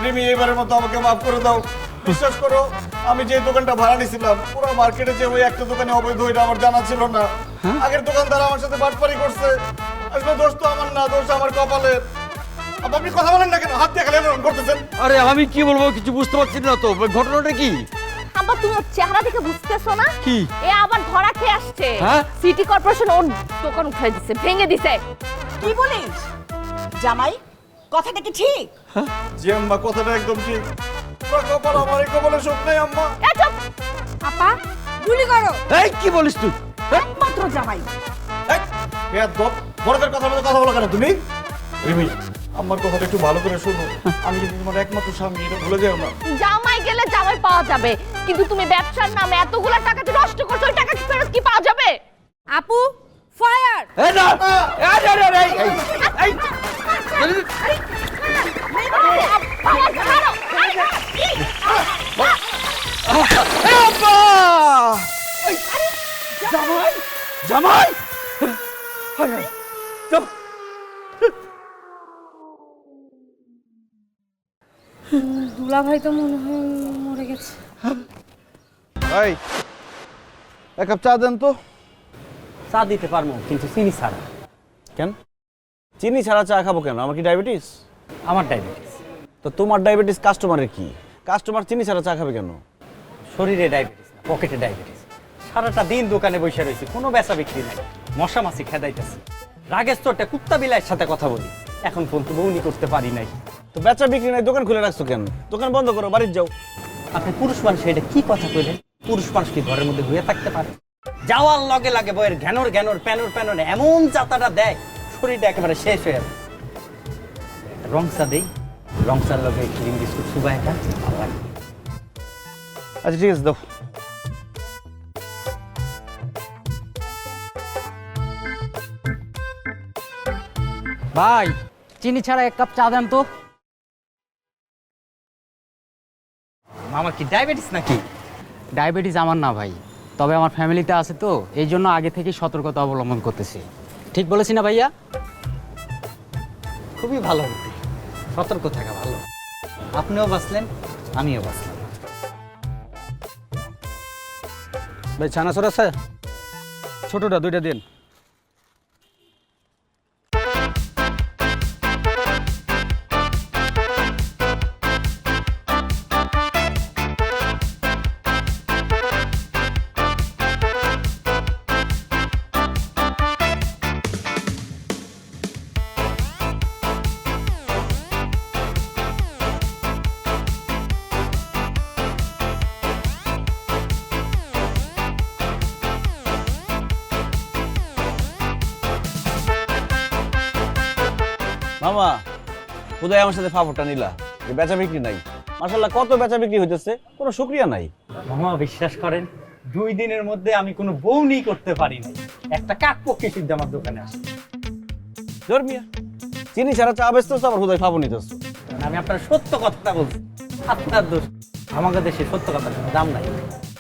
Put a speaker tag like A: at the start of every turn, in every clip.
A: রিমি এবারের মতো আমাকে মাফ করে দাও। বিশ্বাস করো, আমি যে দোকানটা ভাড়া নিয়েছিলাম পুরো মার্কেটে যে ওই একটা দোকানে অবৈধ এটা আমার জানা ছিল না। আগের দোকানদার আমার সাথে বাটপারি করছে। আসলে দোষ তো আমার না, দোষ আমার কপালের। আপনি কথা বলেন না কেন? হাত দিয়ে খেলে এরকম করতেছেন।
B: আরে আমি কি বলবো কিছু বুঝতে পারছি না তো, ঘটনাটা কি?
C: আব্বা তুমি ওর চেহারা দেখে বুঝতেছো না?
B: কি?
C: এ আবার ধরা খেয়ে আসছে।
B: হ্যাঁ?
C: সিটি কর্পোরেশন ওর দোকান উঠাই দিছে, ভেঙে দিছে।
D: কি বলিস জামাই, কথাটা কি ঠিক?
A: জি আম্মা, কথাটা একদম ঠিক। পুরো কপাল আমার, এই কপালে সুখ নেই আম্মা।
C: এ চুপ!
D: আপা গুলি করো।
B: এই কি বলিস তুই?
D: একমাত্র জামাই।
A: এই, বেয়াদব, বড়দের কথা বলে কথা বলো কেন তুমি? রিমি, আমার কথাটা একটু ভালো করে শোনো। আমি কিন্তু তোমার একমাত্র স্বামী, এটা ভুলে যাও না।
C: জামাই গেলে জামাই পাওয়া যাবে, কিন্তু তুমি ব্যবসার নামে এতগুলা টাকা যে নষ্ট করছো, ওই টাকা কি ফেরত কি পাওয়া যাবে?
D: আপু ফায়ার।
B: এই না, এই এই এই এই এই
C: বাবা, ছাড়ো!
B: আব্বা! জামাই জামাই
D: দুলা ভাই তো মনে হয় মরে গেছে।
A: এই, এক কাপ চা দেন তো।
E: চা দিতে পারবো, কিন্তু চিনি ছাড়া।
A: কেন? চিনি ছাড়া চা খাবো কেন? আমার কি ডায়াবেটিস?
E: আমার ডায়াবেটিস।
A: তো তোমার ডায়াবেটিস, কাস্টমারের কি? কাস্টমার চিনি ছাড়া চা খাবে কেন?
E: শরীরে ডায়াবেটিস না, পকেটে ডায়াবেটিস। সারাটা দিন দোকানে বসে রয়েছি, কোনো বেচা বিক্রি নাই। মশা মাছি খেদাইতেছি। রাগের চোটে কুত্তা বিলাইয়ের সাথে কথা বলি, এখন ফোন তো বউনি করতে পারি নাই।
A: তো বেচা বিক্রি নাই, দোকান খুলে রাখছো কেন? দোকান বন্ধ করো, বাড়ির যাও।
E: আপনি পুরুষ মানুষ, এটা কি কথা কইলেন? পুরুষ মানুষ কি ঘরের মধ্যে হয়ে থাকতে পারে? যাওয়ার লগে লাগে বইয়ের ঘ্যানোর ঘ্যানোর প্যানোর প্যানোর এমন যাতাটা দেয়, শরীরটা একেবারে শেষ হয়ে যাবে। রংসা দেই, রংসার লগে ক্রিম বিস্কুট সুবা একটা ভালো লাগে।
A: আচ্ছা ঠিক আছে, দাও।
F: ভাই চিনি ছাড়া এক কাপ চা দেন তো।
E: মামা কি ডায়াবেটিস নাকি?
F: ডায়াবেটিস আমার না ভাই, তবে আমার ফ্যামিলিতে আছে তো, এই জন্য আগে থেকে সতর্কতা অবলম্বন করতেছি। ঠিক বলেছি না ভাইয়া?
E: খুবই ভালো বুদ্ধি, সতর্ক থাকা ভালো। আপনিও বাঁচলেন, আমিও বাঁচলাম।
B: ভাই ছানাছর আছে? ছোটটা দুইটা দিন।
A: মামা, কোথায় আমার সাথে ফাফরটা নিলা? যে বেচা বিক্রি নাই। মাশাআল্লাহ, কত বেচা বিক্রি হইতেছে, কোনো শুকরিয়া নাই।
E: মামা বিশ্বাস করেন, 2 দিনের মধ্যে আমি কোনো বউনি করতে পারি নাই। একটা কাক পক্ষী সিদ্ধ আমার দোকানে আসে।
A: ধর্মিয়া, চিনি ছাড়া চা বেচতেছো, আবার কোথায় ফাফর নিতেছো?
E: আমি আপনার সত্য কথাটা বলছি, আপনার দোষ। আমাদের দেশে সত্য কথার কোনো দাম নাই।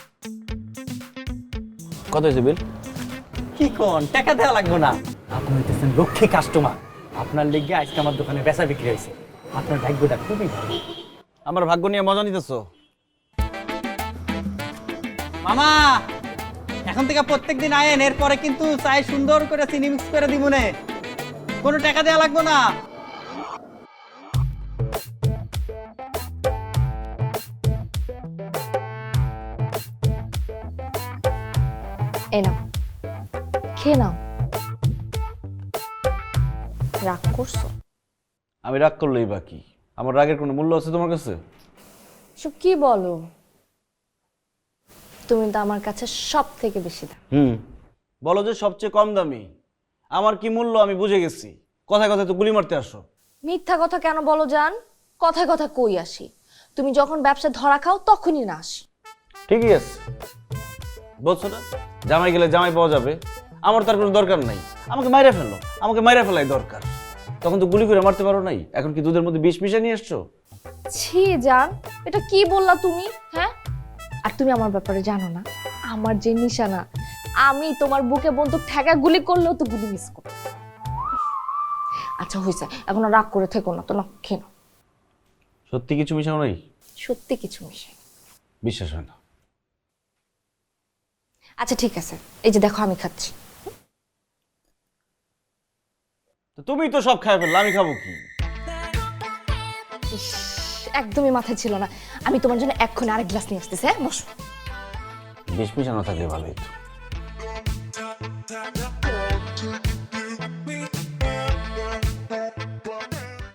A: কত হয়েছে বিল?
E: কি কোন, টাকা দেওয়া লাগবে না। আপনি হইতেছেন লক্ষ্মী কাস্টমার, আপনার লেগে আজকে আমার দোকানে বেচা বিক্রি হয়েছে। আপনার ভাগ্যটা খুবই ভালো।
A: আমার ভাগ্য নিয়ে মজা নিতেছো?
E: মামা এখন থেকে প্রত্যেকদিন আয়েন, এরপরে কিন্তু চাই সুন্দর করে চিনি মিক্স করে দিব নে, কোনো টাকা দেওয়া লাগবে না।
C: এই নাও, খেয়ে নাও। রাগ করছো?
A: আমি রাগ করলেই বাকি, আমার রাগের কোনো মূল্য আছে তোমার কাছে?
C: সব কি বলো? তুমি তো আমার কাছে সব থেকে বেশি দাম।
A: বলো যে সবচেয়ে কম দামি। আমার কি মূল্য আমি বুঝে গেছি, কথায় কথায় তো গুলি মারতে আসো।
C: মিথ্যা কথা কেন বলো জান? কথায় কথা কই আসি? তুমি যখন ব্যবসা ধরা খাও তখনই না আসি।
A: ঠিকই আছে, বলছো না জামাই গেলে জামাই পাওয়া যাবে, আমার তার কোনো দরকার নাই। আমাকে মাইরা ফেলো, আমাকে মাইরা ফেলাই দরকার। তখন তো গুলি করে মারতে পারো নাই, এখন কি দুধের মধ্যে বিষ মিশিয়ে নিয়ে এসছো?
C: ছি জান, এটা কি বললা তুমি? হ্যাঁ, আর তুমি আমার ব্যাপারে জানো না, আমার যে নিশানা, আমি তোমার বুকে বন্দুক ঠেকা গুলি করলেও তো গুলি মিস করো। আচ্ছা হয়েছে, এখন আর রাগ করে থেকো না তো, না খেয়ে নাও।
G: সত্যি কিছু মিশাও নাই?
C: সত্যি কিছু মিশাই।
G: বিশ্বাস হয় না।
C: আচ্ছা ঠিক আছে, এই যে দেখো আমি খাচ্ছি।
G: তো তুমি তো সব খাই ফেললে, আমি খাবো কি?
C: ইস, একদমই মাথায় ছিল না। আমি তোমার জন্য এক্ষুনি আরেক গ্লাস নিয়ে আসতেছি। হ্যাঁ বসো।
G: বিষ মিশানো থাকলে ভালোই তো।